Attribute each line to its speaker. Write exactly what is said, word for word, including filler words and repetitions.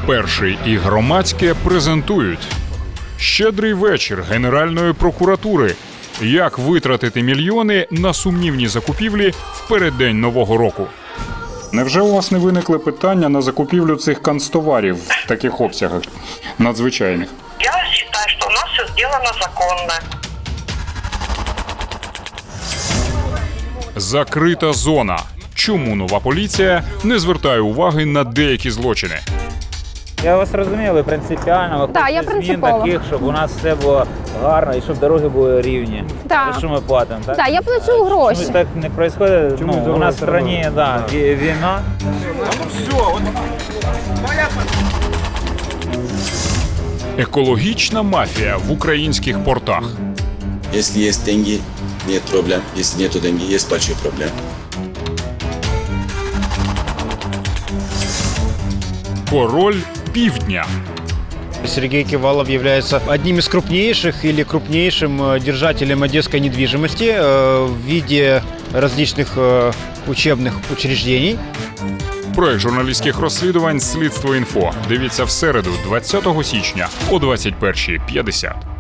Speaker 1: Перший і громадське презентують «Щедрий вечір Генеральної прокуратури. Як витратити мільйони на сумнівні закупівлі в переддень Нового року».
Speaker 2: Невже у вас не виникли питання на закупівлю цих канцтоварів в таких обсягах надзвичайних?
Speaker 3: Я считаю, что у нас все сделано законно.
Speaker 1: Закрита зона. Чому нова поліція не звертає уваги на деякі злочини?
Speaker 4: Я вас розумію, ви принципіально, ви
Speaker 5: Да, я
Speaker 4: хочете змін
Speaker 5: принципово.
Speaker 4: таких, щоб у нас все було гарно і щоб дороги були рівні.
Speaker 5: Да.
Speaker 4: За що ми платимо, так?
Speaker 5: Так, я плачу гроші.
Speaker 4: Чомусь так не відбувається. Ну, у нас в країні, да, ві- війна.
Speaker 1: Екологічна мафія в українських портах.
Speaker 6: Если есть деньги, нет проблем. Если нет деньги, есть большие проблемы.
Speaker 1: Король півдня.
Speaker 7: Сергей Кивалов является одним из крупнейших или крупнейшим э, держателем одесской недвижимости э, в виде различных э, учебных учреждений.
Speaker 1: Проект журналістських розслідувань «Слідство інфо». Дивіться в середу, двадцятого січня о двадцять першій п'ятдесят.